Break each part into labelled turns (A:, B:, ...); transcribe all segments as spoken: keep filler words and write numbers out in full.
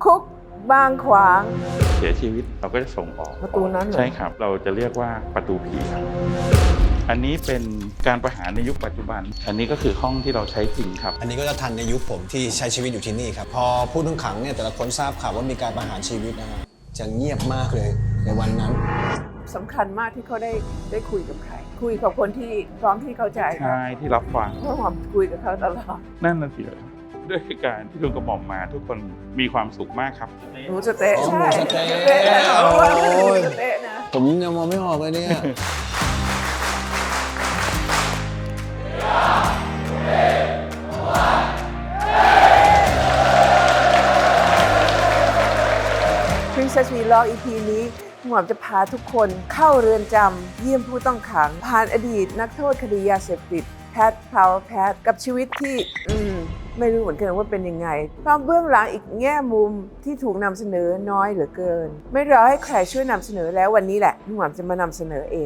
A: คุกบางขวาง
B: เสียชีวิตเราก็จะส่งออก
A: ประตูนั้นเหรอ
B: ใช่ครับเราจะเรียกว่าประตูผีครับอันนี้เป็นการประหารในยุคปัจจุบันอันนี้ก็คือห้องที่เราใช้จริงครับ
C: อันนี้ก็จะทันในยุคผมที่ใช้ชีวิตอยู่ที่นี่ครับพอผู้ต้องขังเนี่ยแต่ละคนทราบข่าวว่ามีการประหารชีวิตนะฮะจะเงียบมากเลยในวันนั้น
A: สำคัญมากที่เขาได้ได้คุยกับใครคุยกับคนที่พร้อมที่เข้าใจ
B: ใช่ที่รับฟัง
A: เพราะผมคุยกับเขาตลอด
B: นั่นน่ะสิด้วยการที่ลุงกระหม่อมมาทุกคนมีความสุขมากครับ
A: หมูสะเต๊ะใช่
C: สเต๊ะ
A: โอ้
C: ย
A: สเต๊ะนะ
C: ผมยังมองไม่ออกเลยเนี่ย
A: Princess Vlog อี พี นี้หมอมจะพาทุกคนเข้าเรือนจำเยี่ยมผู้ต้องขังผ่านอดีตนักโทษคดียาเสพติดแพทพาวเวอร์แพทกับชีวิตที่อืมไม่รู้เหมือนกันว่าเป็นยังไงเพราะเบื้องหลังอีกแง่มุมที่ถูกนำเสนอน้อยเหลือเกินไม่รอให้ใครช่วยนำเสนอแล้ววันนี้แหละหมอมจะมานำเสนอเอง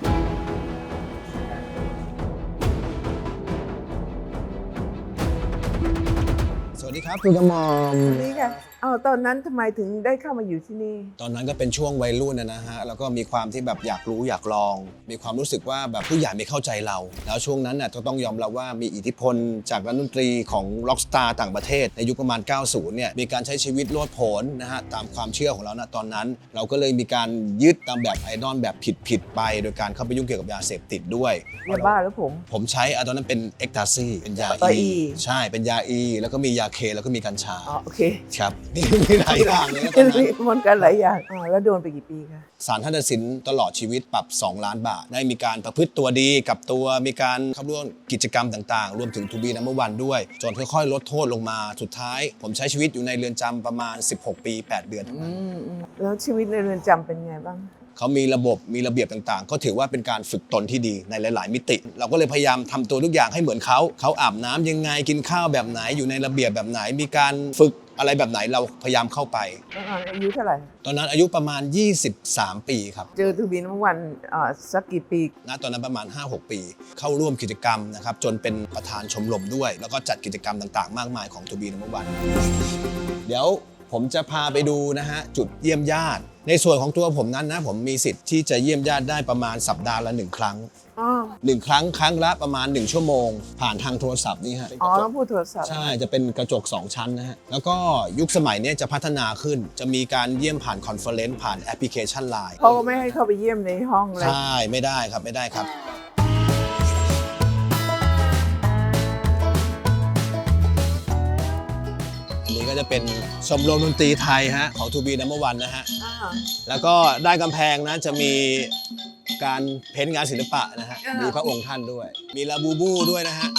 C: สวัสดีครับคุณกระหม่อม
A: นี่ค่ะเอาตอนนั้นทำไมถึงได้เข้ามาอยู่ที่นี่
C: ตอนนั้นก็เป็นช่วงวัยรุ่นนะฮะแล้วก็มีความที่แบบอยากรู้อยากลองมีความรู้สึกว่าแบบผู้ใหญ่ไม่เข้าใจเราแล้วช่วงนั้นน่ะก็ต้องยอมรับว่ามีอิทธิพลจากนักดนตรีของร็อกสตาร์ต่างประเทศในยุคประมาณเก้าสิบเนี่ยมีการใช้ชีวิตโลดโผนนะฮะตามความเชื่อของเราณตอนนั้นเราก็เลยมีการยึดตามแบบไอดอลแบบผิดๆไปโดยการเข้าไปยุ่งเกี่ยวกับยาเสพติดด้วย
A: ยาบ้าหรือผม
C: ผมใช้ตอนนั้นเป็นเอ็กตาซีเป็นยาอีใช่เป็นยาอีแล้วก็มียาเคแล้วก็มีกัญชา
A: อ๋อโอเค
C: ครับนี่มีหลายอย่างเลยตอนนั้น
A: มันกันหลายอย่างอ๋อแล้วโดนไปกี่ปีคะ
C: ศาลท่านตัดสินตลอดชีวิตปรับสองล้านบาทได้มีการประพฤติตัวดีกับตัวมีการเข้าร่วมกิจกรรมต่างๆรวมถึงทูบีนัมเบอร์วันด้วยจนค่อยๆลดโทษลงมาสุดท้ายผมใช้ชีวิตอยู่ในเรือนจำประมาณสิบหกปีแปดเดือน
A: แล้วชีวิตในเรือนจำเป็นไงบ้าง
C: เขามีระบบมีระเบียบต่างๆก็ถือว่าเป็นการฝึกตนที่ดีในหลายๆมิติเราก็เลยพยายามทำตัวทุกอย่างให้เหมือนเขาเขาอาบน้ำยังไงกินข้าวแบบไหนอยู่ในระเบียบแบบไหนมีการฝึกอะไรแบบไหนเราพยายามเข้าไป
A: ตอนนั้นอายุเท่าไหร่
C: ตอนนั้นอายุประมาณยี่สิบสามปีครับ
A: เจอทูบีนัมเบอร์วันสักกี่ปี
C: ณตอนนั้นประมาณ ห้าหก ปีเข้าร่วมกิจกรรมนะครับจนเป็นประธานชมรมด้วยแล้วก็จัดกิจกรรมต่างๆมากมายของทูบีนัมเบอร์วันเดี๋ยวผมจะพาไปดูนะฮะจุดเยี่ยมญาติในส่วนของตัวผมนั้นนะผมมีสิทธิ์ที่จะเยี่ยมญาติได้ประมาณสัปดาห์ละหนึ่งครั้งหนึ่งครั้งครั้งละประมาณหนึ่งชั่วโมงผ่านทางโทรศัพท์นี่ฮะ
A: อ๋อต้องพูดโทรศัพท์
C: ใช่จะเป็นกระจกสองชั้นนะฮะแล้วก็ยุคสมัยนี้จะพัฒนาขึ้นจะมีการเยี่ยมผ่านคอนเฟอเรนซ์ผ่านแอปพลิเคชัน ไลน์
A: เขาก็ไม่ให้เข้าไปเยี่ยมในห้องเลย
C: ใช่ไม่ได้ครับไม่ได้ครับอันนี้ก็จะเป็นชมรมดนตรีไทยฮะของทูบีนัมเบอร์วันนะฮะแล้วก็ด้านกำแพงนะจะมีการเพ้นท์งานศิลปะนะฮะมีพระองค์ท่านด้วยมีลาบูบูด้วยนะฮะ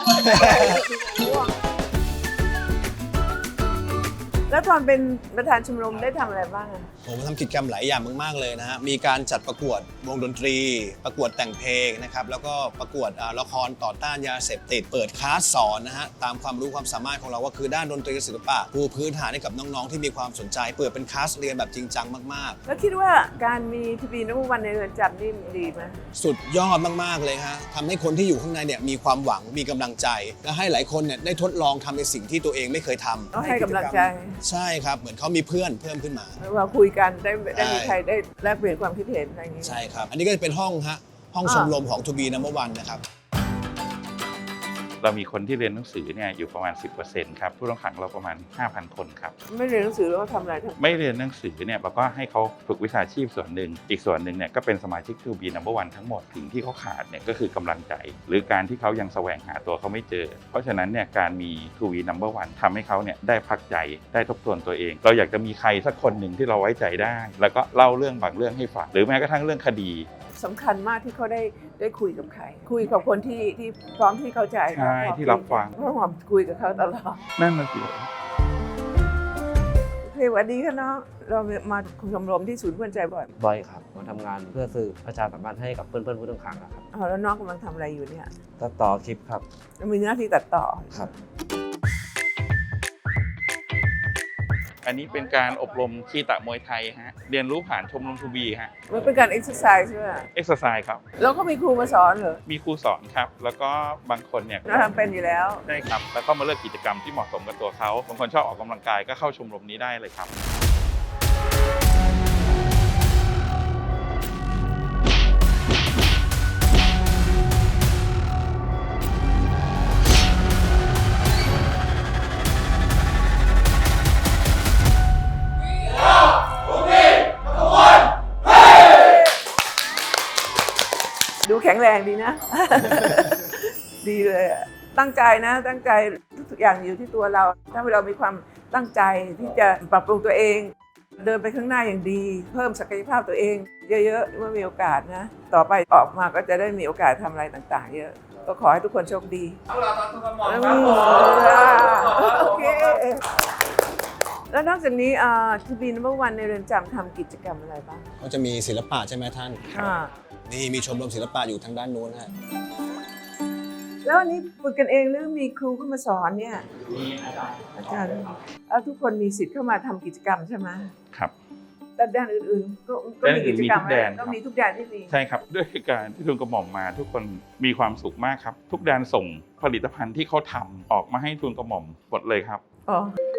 A: แล้วตอนเป็นประธานชมรมได้ทำอะไรบ้าง
C: ผมทำกิจกรรมหลายอย่างมากๆเลยนะฮะมีการจัดประกวดวงดนตรีประกวดแต่งเพลงนะครับแล้วก็ประกวดละครต่อต้านยาเสพติดเปิดคลาสสอนนะฮะตามความรู้ความสามารถของเราก็คือด้านดนตรีศิลปะปูพื้นฐานให้กับน้องๆที่มีความสนใจเปิดเป็นคลาสเรียนแบบจริงจังมาก
A: ๆแล้วคิดว่าการมีทูบีนัมเบอร์วันในเรือนจำนี่ดีไหม
C: สุดยอดมากๆเลยฮะทำให้คนที่อยู่ข้างในเนี่ยมีความหวังมีกำลังใจและให้หลายคนเนี่ยได้ทดลองทำในสิ่งที่ตัวเองไม่เคยทำ
A: ให้กำลังใจ
C: ใช่ครับเหมือนเขามีเพื่อนเพิ่มขึ้นมา
A: เราคุยกันได้ได้มีใครได้แลกเปลี่ยนความคิดเห็นอะไรอย่างนี้
C: ใช่ครับอันนี้ก็จะเป็นห้องฮะห้องชมรมของทูบีนัมเบอร์วันนะครับ
B: เรามีคนที่เรียนหนังสือเนี่ยอยู่ประมาณ สิบเปอร์เซ็นต์ ครับผู้ต้องขังเราประมาณ ห้าพัน คนครับ
A: ไม่เรียนหนังสือแล้วทำอะไร
B: ไม่เรียนหนังสือเนี่ยเราก็ให้เขาฝึกวิชาชีพส่วนหนึ่งอีกส่วนหนึ่งเนี่ยก็เป็นสมาชิกทูบีนัมเบอร์วันทั้งหมดสิ่งที่เขาขาดเนี่ยก็คือกำลังใจหรือการที่เขายังแสวงหาตัวเขาไม่เจอเพราะฉะนั้นเนี่ยการมีทูบีนัมเบอร์วันทำให้เขาเนี่ยได้พักใจได้ทบทวนตัวเองเราอยากจะมีใครสักคนหนึ่งที่เราไว้ใจได้แล้วก็เล่าเรื่องบางเรื่องให้ฟังหรือแม้กระทั่งเรื่องคดี
A: สำคัญมากที่เขาได้ได้คุยกับใครคุยกับคนที่ที่พร้อมที่เข้าใจ
B: ใช่ที่รับฟัง
A: เพราะผมคุยกับเขาตลอด
B: นั่นน่ะสิ
A: โอเคสวัสดีค่ะน้องเรามาชมรมที่ศูนย์เพื่อนใจบ่อย
D: บ่อยครับมาทำงานเพื่อสื่อประชาสัมพันธ์ให้กับเพื่อนๆผู้ต้องขังครับ
A: อ๋อแล้วน้องกำลังทำอะไรอยู่เนี่ย
D: ตัดต่อคลิปครับ
A: มีหน้าที่ตัดต่อ
D: ครับ
B: อัอันนี้เป็นการอบรมคีตะมวยไทยฮะเรียนรู้ผ่านชมรมทูบีฮะ
A: มันเป็นการเอ็กซ์ไซส์ใช่ไหม
B: เอ็กซ์ไซส์ครับ
A: แล้วก็มีครูมาสอนเหรอ
B: มีครูสอนครับแล้วก็บางคนเนี่ย
A: เราทำเป็นอยู่แล้ว
B: ได้ครับแล้วก็มาเลือกกิจกรรมที่เหมาะสมกับตัวเขาบางคนชอบออกกำลังกายก็เข้าชมรมนี้ได้เลยครับ
A: ดูแข็งแรงดีนะ ดีเลยอะตั้งใจนะตั้งใจทุกอย่างอยู่ที่ตัวเรา ถ้าเรามีความตั้งใจที่จะปรับปรุงตัวเอง เดินไปข้างหน้าอย่างดี เพิ่มศักยภาพตัวเอง เยอะๆเมื่อมีโอกาสนะต่อไปออกมาก็จะได้มีโอกาสทำอะไรต่างๆ เยอะก็ขอให้ทุกคนโชคดีอืมโอเคแล้วนอกจากนี้ทูบีนัมเบอร์วันในเรือนจำทำกิจกรรมอะไรบ้าง
C: ก็จะมีศิลปะใช่ไหมท่าน
A: อ่า
C: นี่มีชมรมศิลปะอยู่ทางด้านโน้นฮะ
A: แล้วอันนี้ฝึกกันเองหรือมีครูเข้ามาสอนเนี่ยมีอาจารย์อาจารย์แล้วทุกคนมีสิทธิ์เข้ามาทำกิจกรรมใช่ไหม
B: ครับ
A: แต่แดนอื่นๆก็ก็มีกิจกรรมก็มีทุกแดนที่มี
B: ใช่ครับด้วยการที่ทุนกระหม่อมมาทุกคนมีความสุขมากครับ ทุกแดนส่งผลิตภัณฑ์ที่เขาทำออกมาให้ทุนกระหม่อมหมดเลยครับ
A: อ๋อ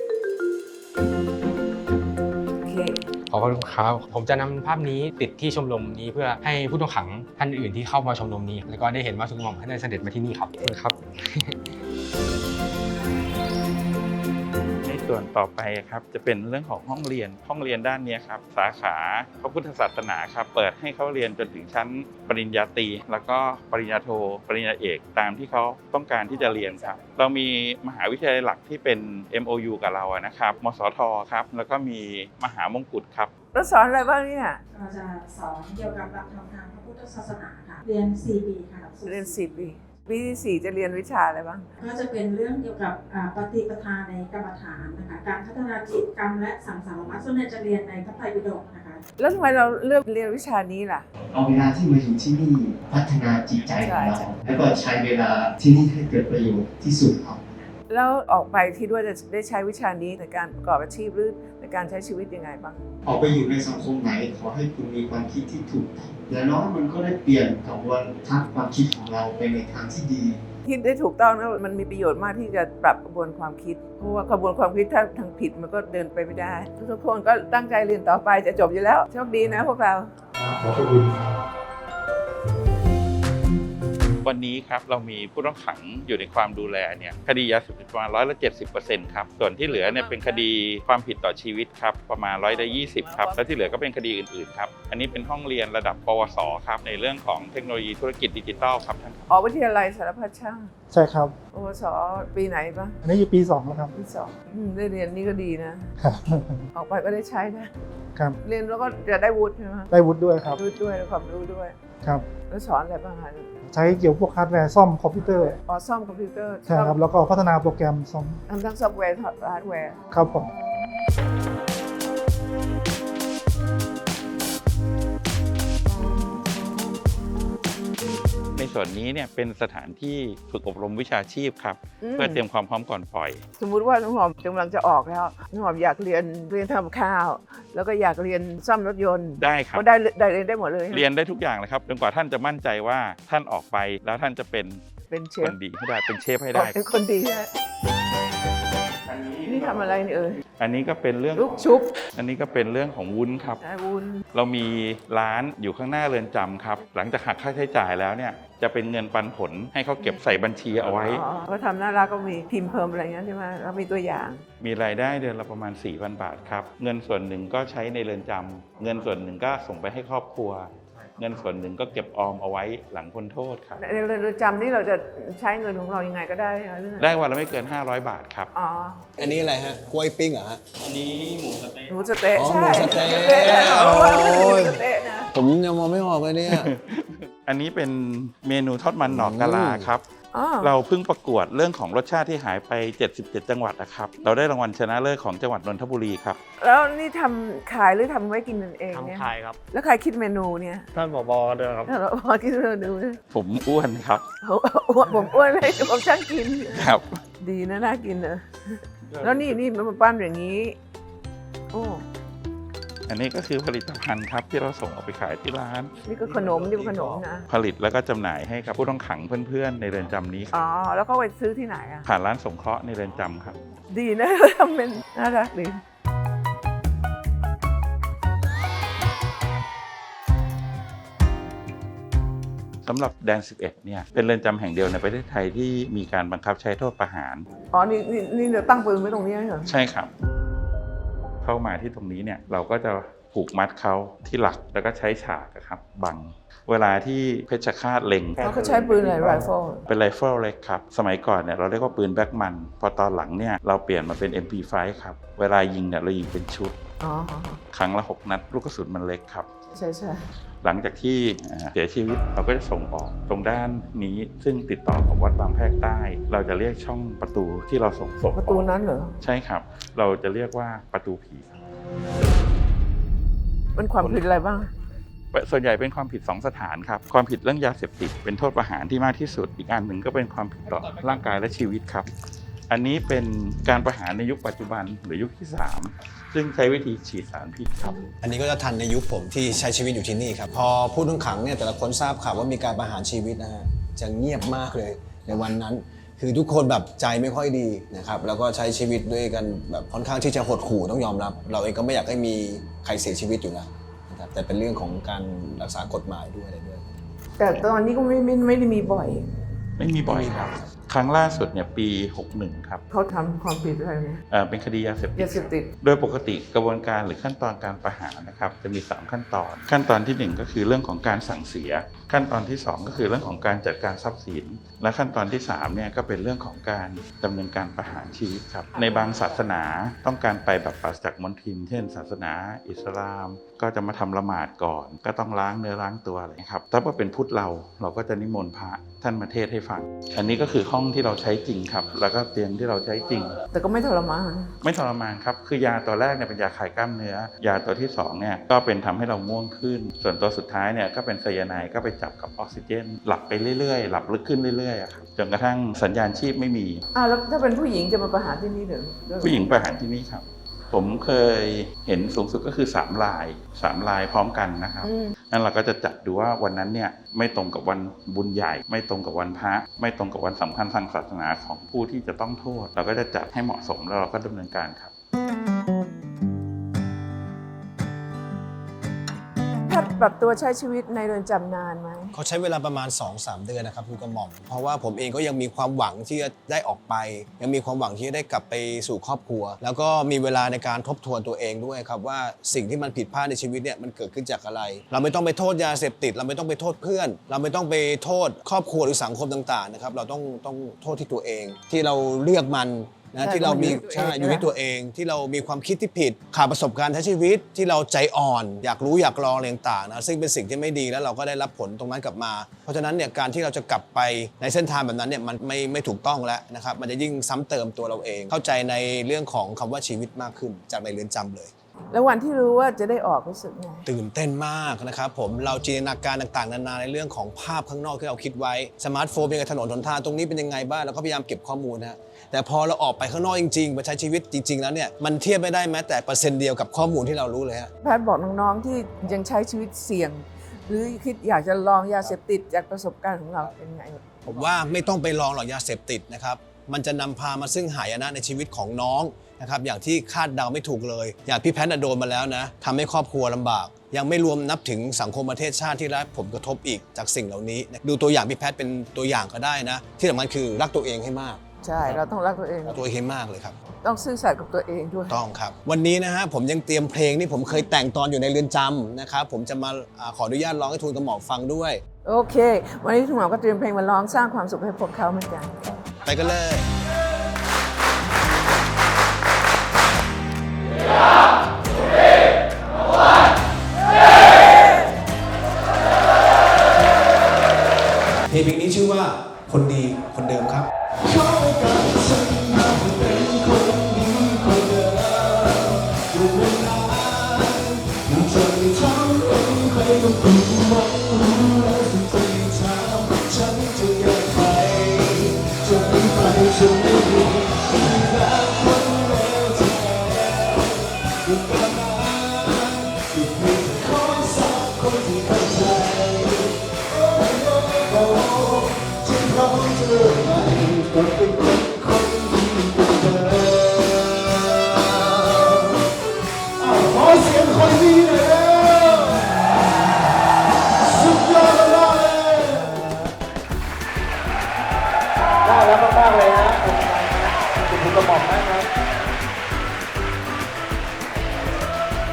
A: โอเค
E: ขอบคุณครับ ผมจะนำภาพนี้ติดที่ชมรมนี้เพื่อให้ผู้ต้องขังท่านอื่นที่เข้ามาชมรมนี้ แล้วก็ได้เห็นว่าทุนกระหม่อมท่านได้เสด็จมาที่นี่ครับขอบคุณครับ
B: ในส่วนต่อไปครับจะเป็นเรื่องของห้องเรียนห้องเรียนด้านนี้ครับสาขาพระพุทธศาสนาครับเปิดให้เขาเรียนจนถึงชั้นปริญญาตรีแล้วก็ปริญญาโทปริญญาเอกตามที่เขาต้องการที่จะเรียนครับเรามีมหาวิทยาลัยหลักที่เป็น เอ็ม โอ ยู กับเราอะนะครับมสทครับแล้วก็มีมหามงกุฎครับ
A: แล้วสอนอะไรบ้างเนี่ย
F: เราจะสอนเกี่ยวกับหลักธรรมทางพระพุทธศาสนาค่ะ เรียน สี่ ปีค่ะหลักสูตร
A: เรียนสี่ปีปีที่สี่จะเรียนวิชาอะไรบ้าง
F: ก็จะเป็นเรื่องเกี่ยวกับอ่าปฏิปทาในกรรมฐานนะคะ การพัฒนาจิตกรรมและสังสารวัฏส่วนใหญ่จะเรียนในพระไตรปิฎกนะคะ
A: แล้วทำไมเราเลือกเรียนวิชานี้ล่ะ
G: เอาเวลาที่มาอยู่ที่นี่พัฒนาจิตใจของเรา แล้วก็ใช้เวลาที่นี่ให้เกิดประโยชน์ที่สุดครับ
A: แล้วออกไปคิดว่าจะได้ใช้วิชานี้ในการประกอบอาชีพหรือในการใช้ชีวิตยังไงบ้าง
G: ออกไปอยู่ในสังคมไหนขอให้คุณมีความคิดที่ถูกต้องอย่างน้อยมันก็ได้เปลี่ยนกระบวนทัศน์ความคิดของเราไปในทางที่ดี
A: คิดได้ถูกต้องนะมันมีประโยชน์มากที่จะปรับกระบวนความคิด เพราะว่ากระบวนความคิดถ้าทางผิดมันก็เดินไปไม่ได้ ทุกคนก็ตั้งใจเรียนต่อไปจะจบอยู่แล้วโชคดีนะพวกเรา
G: ขอบคุณครับ
B: วันนี้ครับเรามีผู้ต้องขังอยู่ในความดูแลเนี่ยคดียาเสพติดประมาณร้อยละเจ็ดสิบเปอร์เซ็นต์ครับส่วนที่เหลือเนี่ยเป็นคดีความผิดต่อชีวิตครับประมาณร้อยละยี่สิบครับแล้วที่เหลือก็เป็นคดีอื่นๆครับอันนี้เป็นห้องเรียนระดับปวสครับในเรื่องของเทคโนโลยีธุรกิจดิจิทัลครับท่านครับ
A: ออกวิทยาลัยสารพัดช่าง
H: ใช่ครับ
A: โอสปีไหนบ้าง
H: อันนี้อยู่ปีสองแล้วครับ
A: ปีสองอืมได้เรียนนี่ก็ดีนะครับ ออกไปก็ได้ใช้นะครับ เรียนแล้วก็จะได้วุฒิใช่ไหม
H: ได้วุฒิด้วยครับ
A: วุฒิด้วยแล้วความรู้ด้วย
H: ครับ
A: แล้วสอนอะไรบ้างคะ
H: ใช้เกี่ยวกับพวกฮาร์ดแวร์ซ่อมคอมพิวเตอร์
A: อ๋อซ่อมคอมพิวเตอร์
H: ใช่ครับ แล้วก็พัฒนาโปรแกรมซ่อม
A: ทำทั้งซอฟต์แวร์ฮาร์ดแวร์
H: ครับผม
B: ในส่วนนี้เนี่ยเป็นสถานที่ฝึกอบรมวิชาชีพครับเพื่อเตรียมความพร้อมก่อนปล่อย
A: สมมุติว่าน้องหอมกำลังจะออกแล้วน้องหอมอยากเรียนเรียนทำข้าว แล้วก็อยากเรียนซ่อมรถยนต์
B: ได้ครับ
A: ก็ได้ได้เรียนได้หมดเลย
B: เรียนได้ทุกอย่างเลยครับจนกว่าท่านจะมั่นใจว่าท่านออกไปแล้วท่านจะเป็น
A: เป็นเช
B: ค
A: ฟ
B: นดีให้ได้เป็นเชฟให้
A: ออ
B: ได้
A: กเป็นคนดีนะนี่ทำอะไรนี่เอ่ย
B: อันนี้ก็เป็นเรื่อง
A: ลูกชุบ
B: อันนี้ก็เป็นเรื่องของวุ้นครับ
A: นะวุ้น
B: เรามีร้านอยู่ข้างหน้าเรือนจำครับหลังจากหักค่าใช้จ่ายแล้วเนี่ยจะเป็นเงินปันผลให้เขาเก็บใส่บัญชีเอาไว้
A: อ๋อเขาทำน่ารักก็มีพิมพ์เพิ่มอะไรเงี้ยใช่ไหมแล้วมีตัวอย่าง
B: มีรายได้เดือนละประมาณ สี่พัน บาทครับเงินส่วนหนึ่งก็ใช้ในเรือนจำเงินส่วนหนึ่งก็ส่งไปให้ครอบครัว เงินส่วนหนึ่งก็เก็บออมเอาไว้หลังพ้นโทษครับ
A: ในเรือนจำนี่เราจะใช้เงินของเรายังไงก็ได้ใช่ไหม
B: ได้วันละไม่เกิน ห้าร้อย บาทครับ
A: อ๋อ
C: อันนี้อะไรฮะ กล้วยปิ้งเหรอฮะ
A: หมูสะเต๊ะ
C: อ๋อ
A: ใช่
C: หมูสะเต๊ะ
A: หมูสะเต๊ะ
C: โอ้ย
A: หมูสะเต๊ะนะ
C: ผมยังมองไม่ออกเลยเนี่ย
B: อันนี้เป็นเมนูทอดมันหนอกกะลาครับ
A: อ๋อ
B: เราเพิ่งประกวดเรื่องของรสชาติที่หายไป เจ็ดสิบเจ็ด จังหวัดนะครับเราได้รางวัลชนะเลิศของจังหวัดนนทบุรีครับ
A: แล้วนี่ทำขายหรือทำไว้กินกันเองเนี่ย
D: ทำขายครับ
A: แล้วใครคิดเมนูเนี่ย
D: ท่านผบด้วยครับ
A: เราพอคิดเมนูเนี่ย
B: ผมอ้วนครับ
A: ผมอ้วนผมอ้วนเลยผมช่างกิน
B: ครับ
A: ดีนะน่ากินเนอะแล้วนี่นี่มันมาปั้นอย่างนี้โอ้
B: อันนี้ก็คือผลิตภัณฑ์ครับที่เราส่งออกไปขายที่ร้าน
A: นี่ก็ขนมนี่ก็ขนมนะ
B: ผลิตแล้วก็จำหน่ายให้กับผู้ต้องขังเพื่อนๆในเรือนจำนี้
A: อ๋อ แล้วก็ไปซื้อที่ไหนอ่ะ
B: ผ่านร้านสงเคราะห์ในเรือนจำครับ
A: ดีนะ ทำเป็นน่ารักดี
B: สำหรับแดน สิบเอ็ด เนี่ยเป็นเรือนจำแห่งเดียวในประเทศไทยที่มีการบังคับใช้โทษประหาร
A: อ๋อ นี่นี่นี่เดี๋ยวตั้งปืนไว้ตรงนี้เหรอ
B: ใช่ครับ เข้ามาที่ตรงนี้เนี่ยเราก็จะผูกมัดเขาที่หลักแล้วก็ใช้ฉากอะครับบัง เวลาที่เพชฌฆาตเล็ง
A: เขาก็ใช้ปืนอะไรไรเฟิล
B: เป็นไรเฟิลเล็กครับ สมัยก่อนเนี่ยเราเรียกว่าปืนแบ็กมัน พอตอนหลังเนี่ยเราเปลี่ยนมาเป็น เอ็ม พี ไฟว์ ครับ เวลายิงเนี่ยเรายิงเป็นชุด
A: อ๋อ
B: ครั้งละหกนัดลูกกระสุนมันเล็กครับ
A: ใช่ใช่
B: หลังจากที่เสียชีวิตเราก็จะส่งออกตรงด้านนี้ซึ่งติดต่อกับวัดบางแพรกใต้ เราจะเรียกช่องประตูที่เราส่งศพ
A: ประตูนั้นเหรอ
B: ใช่ครับ เราจะเรียกว่าประตูผีครับ
A: มันความผิดอะไรบ้าง
B: ส่วนใหญ่เป็นความผิดสองสถานครับความผิดเรื่องยาเสพติดเป็นโทษประหารที่มากที่สุดอีกอันหนึ่งก็เป็นความผิดต่อร่างกายและชีวิตครับอันนี้เป็นการประหารในยุคปัจจุบันหรือยุคที่สามซึ่งใช้วิธีฉีดสารพิษครับ
C: อันนี้ก็จะทันในยุคผมที่ใช้ชีวิตอยู่ที่นี่ครับพอผู้ต้องขังเนี่ยแต่ละคนทราบข่าวว่ามีการประหารชีวิตนะฮะจะเงียบมากเลยในวันนั้น คือทุกคนแบบใจไม่ค่อยดีนะครับแล้วก็ใช้ชีวิตด้วยกันแบบค่อนข้างที่จะหดหู่ต้องยอมรับ เราเองก็ไม่อยากให้มีใครเสียชีวิตอยู่แล้วนะครับแต่เป็นเรื่องของการรักษากฎหมายด้วยอะไรด้วย
A: แต่ตอนนี้ก็ไม่ไม่ไม่ได้มีบ่อย
B: ไม่มีบ่อยครับครั้งล่าสุดเนี่ยปีหกสิบเอ็ดครับ
A: เขาทำความผิดอะไรเนี่ย
B: เอ่อเป็นคดียาเสพติด
A: ยาเสพติด
B: โดยปกติกระบวนการหรือขั้นตอนการประหารนะครับจะมีสามขั้นตอน ขั้นตอนที่หนึ่งก็คือเรื่องของการสั่งเสีย ขั้นตอนที่สองก็คือเรื่องของการจัดการทรัพย์สิน และขั้นตอนที่สามเนี่ยก็เป็นเรื่องของการดำเนินการประหารชีวิตครับในบางศาสนาต้องการไปแบบปราศจากมลทินเช่น ศาสนาอิสลามก็จะมาทำละหมาดก่อน ก็ต้องล้างเนื้อล้างตัวอะไรครับถ้าว่าเป็นพุทธเราเราก็จะนิมนต์พระท่านมาเทศน์ให้ฟังอันนี้ก็คือห้องที่เราใช้จริงครับแล้วก็เตียงที่เราใช้จริง
A: แต่ก็ไม่ทรมาน
B: ไม่ทรมานครับคือยาตัวแรกเนี่ยเป็นยาคลายกล้ามเนื้อยาตัวที่สองเนี่ยก็เป็นทำให้เราง่วงขึ้น ส่วนตัวสุดท้ายเนี่ยก็เป็นไซยาไนด์ก็ไปจับกับออกซิเจน หลับไปเรื่อยๆหลับลึกขึ้นเรื่อยๆอะครับจนกระทั่งสัญญาณชีพไม่มี
A: อ่าแล้วถ้าเป็นผู้หญิงจะมาประหารที่นี่เหรอ
B: ผู้หญิงประหารที่นี่ครับผมเคยเห็นสูงสุดก็คือสามลายสามลายพร้อมกันนะครับ
A: อืม
B: นั่นเราก็จะจัดดูว่าวันนั้นเนี่ยไม่ตรงกับวันบุญใหญ่ ไม่ตรงกับวันพระไม่ตรงกับวันสำคัญทางศาสนาของผู้ที่จะต้องโทษ เราก็จะจัดให้เหมาะสมแล้วเราก็ดำเนินการครับ
A: แพทย์ปรับตัวใช้ชีวิตในเรือนจำนานไหม
C: เขาใช้เวลาประมาณ สองถึงสาม เดือนนะครับคุณกระหม่อมเพราะว่าผมเองก็ยังมีความหวังที่จะได้ออกไป ยังมีความหวังที่จะได้กลับไปสู่ครอบครัว แล้วก็มีเวลาในการทบทวนตัวเองด้วยครับว่าสิ่งที่มันผิดพลาดในชีวิตเนี่ยมันเกิดขึ้นจากอะไร เราไม่ต้องไปโทษยาเสพติดเราไม่ต้องไปโทษเพื่อน เราไม่ต้องไปโทษครอบครัวหรือสังคมต่างๆนะครับเราต้องต้องโทษที่ตัวเอง ที่เราเลือกมันนะ
A: ใช่
C: ที่เรามี
A: ต้องอยู่
C: ใช่
A: เอง
C: อยู่ที่ตัวเองที่เรามีความคิดที่ผิดขาดประสบการณ์ใช้ชีวิตที่เราใจอ่อน อยากรู้อยากลองอะไรต่างๆนะซึ่งเป็นสิ่งที่ไม่ดีแล้วเราก็ได้รับผลตรงนั้นกลับมา เพราะฉะนั้นเนี่ยการที่เราจะกลับไปในเส้นทางแบบนั้นเนี่ยมันไม่ไม่ถูกต้องแล้วนะครับมันจะยิ่งซ้ำเติมตัวเราเอง เข้าใจในเรื่องของคำว่าชีวิตมากขึ้นจากในเรือนจำเลย
A: แล้ววันที่รู้ว่าจะได้ออกรู้สึกไง
C: ตื่นเต้นมากนะครับผมเราจินตนาการต่างๆนานาในเรื่องของภาพข้างนอกที่เราคิดไว้สมาร์ทโฟนเป็นไงถนนหนทางตรงนี้เป็นยังไงบ้างเราก็พยายามเก็บข้อมูลนะแต่พอเราออกไปข้างนอกจริงๆมาใช้ชีวิตจริงๆแล้วเนี่ยมันเทียบไม่ได้แม้แต่เปอร์เซ็นต์เดียวกับข้อมูลที่เรารู้เลยฮะ
A: แพทย์บอกน้องๆที่ยังใช้ชีวิตเสี่ยง หรือคิดอยากจะลองยาเสพติดจากประสบการณ์ของเราเป็นไง
C: ผมว่าไม่ต้องไปลองหรอกยาเสพติดนะครับมันจะนำพามาซึ่งหายนะในชีวิตของน้องนะครับอย่างที่คาดเดาไม่ถูกเลยอย่างพี่แพทย์โดนมาแล้วนะทำให้ครอบครัวลำบากยังไม่รวมนับถึงสังคมประเทศชาติที่ได้ผลกระทบอีกจากสิ่งเหล่านี้ดูตัวอย่างพี่แพทย์เป็นตัวอย่างก็ได้นะที่สำคัญคือรักตัวเองให้มาก
A: ใช่เราต้องรักตัวเอง
C: รักตัวเองให้มากเลยครับ
A: ต้องซื่อสัตย์กับตัวเองด้วย
C: ต้องครับวันนี้นะฮะผมยังเตรียมเพลงที่ผมเคยแต่งตอนอยู่ในเรือนจำนะครับผมจะมาอ่าขออนุญาตร้องให้ทูลกระหม่อมฟังด้วย
A: โอเค วันนี้ทุกหมอก็เตรียมเพลงมาร้องสร้างความสุขให้พวกเขาเหมือนกัน
C: ไปกันเลย เพลงนี้ชื่อว่าคนดีคนเดิมครับฉันไม่มีรักคนเดียวใจ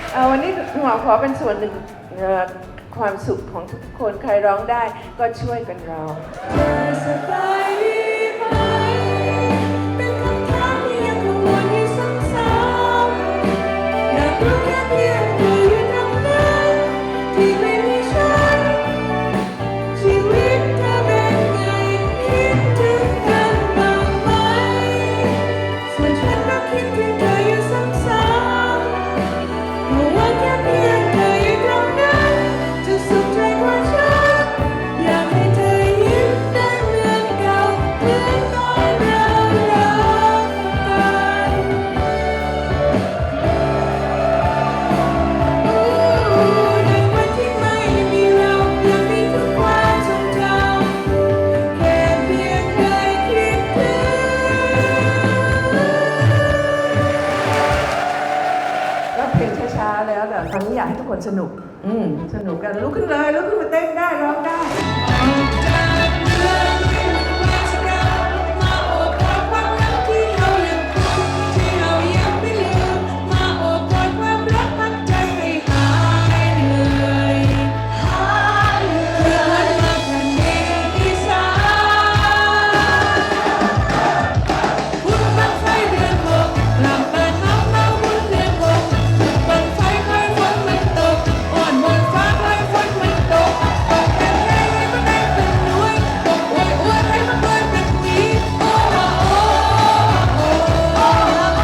A: เอาวันนี้หมอขอเป็นส่วนหนึ่งเอ่อความสุขของทุกๆคนใครร้องได้ก็ช่วยกันร้อง
I: สบายดีไหมเป็นคำถามที่ยังกังวลอยู่ซ้ำๆอยากรู้แค่เพียงเธออยู่ตรงนั้นที่ไม่มีฉันชีวิตเธอเป็นไงคิดถึงกันบ้างไหมส่วนฉันก็คิดถึงเธออยู่ซ้ำๆรู้ว่าแค่เพียงเธออยู่ตรงนั้นจะสุขใจกว่าฉันอยากให้เธอยิ้มได้เหมือนเก่าเหมือนตอนเรารักกันในวันที่ไม่มีเรายังมีทุกความทรงจำแค่เพียงเคยคิดถึง
A: ก็เพลงช้าๆแล้วแต่ตอนนี้อยากให้ทุกคนสนุก อืมสนุกกันลุกขึ้นเลยลุกขึ้นมาเต้นได้ร้องได้
I: จากเมืองที่มันว่างเก่ามาโอบกอดความรักที่เรายังคงที่เรายังไม่ลืมมาโอบกอดความรักพักใจให้หายเหนื่อยหายเหนื่อยเพื่อนมาแผ่นดินอีสานบุญบั้งไฟเดือนหกลำเปิดน้องเราบุญเดือนหกบั้งไฟคอยฝนมันตกอ่อนบนฟ้าคอยฝนมันตกตกแค่ไหนให้มันได้เป็นหน่วยตกอวยอวยให้มันรวยเป็นหวีโอ้โอ้โอ้โอ้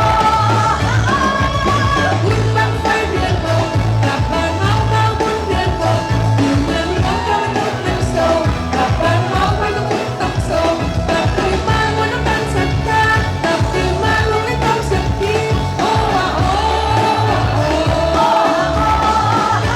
I: บุญบั้งไฟเดือนหกกลับบ้านเฮาเฮาบุญเดือนหกอยู่เมืองของเราทุกเป็นโศกกลับบ้านเฮาไปต้องทุกข์ต้องโศกกลับคืนมาวันน้ำตาลศรัทธากลับคืนมาลงในความสักทีโอ้โอ้โอ้โอ้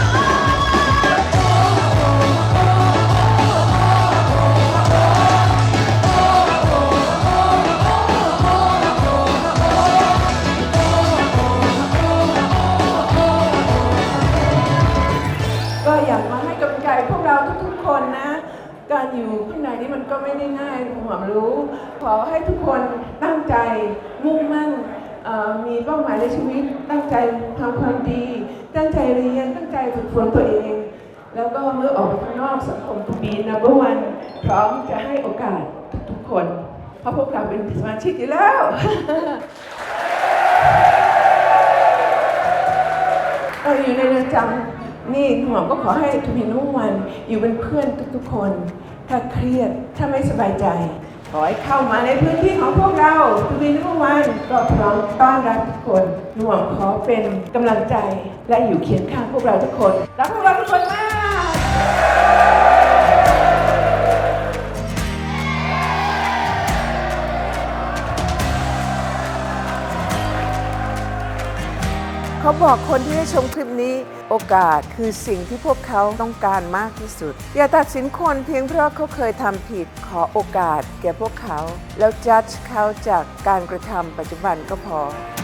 A: ก็อยากมาให้กำลังใจพวกเราทุกๆคนนะ การอยู่ข้างในนี้มันก็ไม่ได้ง่ายหวมรู้ ขอให้ทุกคนตั้งใจมุ่งมั่นเอ่อมีเป้าหมายในชีวิต ตั้งใจทำความดี ตั้งใจเรียน ตั้งใจฝึกฝนตัวเอง แล้วก็เมื่อออกไปข้างนอกสังคมทุกปีนับวันพร้อมจะให้โอกาสทุกๆคน เพราะพวกเราเป็นสมาชิกอยู่แล้ว เราอยู่ในเรือนจำนี่หมอก็ขอให้ทุกพีนุ่งวันอยู่เป็นเพื่อนทุกๆคน ถ้าเครียดถ้าไม่สบายใจ ขอให้เข้ามาในพื้นที่ของพวกเราทุกพีนุ่งวันก็พร้อมต้อนรับทุกคนหน่วงขอเป็นกำลังใจและอยู่เคียงข้างพวกเราทุกคนรักพวกเราทุกคนมาก เขาบอกคนที่ได้ชมคลิปนี้โอกาสคือสิ่งที่พวกเขาต้องการมากที่สุด อย่าตัดสินคนเพียงเพราะเขาเคยทำผิดขอโอกาสแก่พวกเขา แล้วจัดเขาจากการกระทำปัจจุบันก็พอ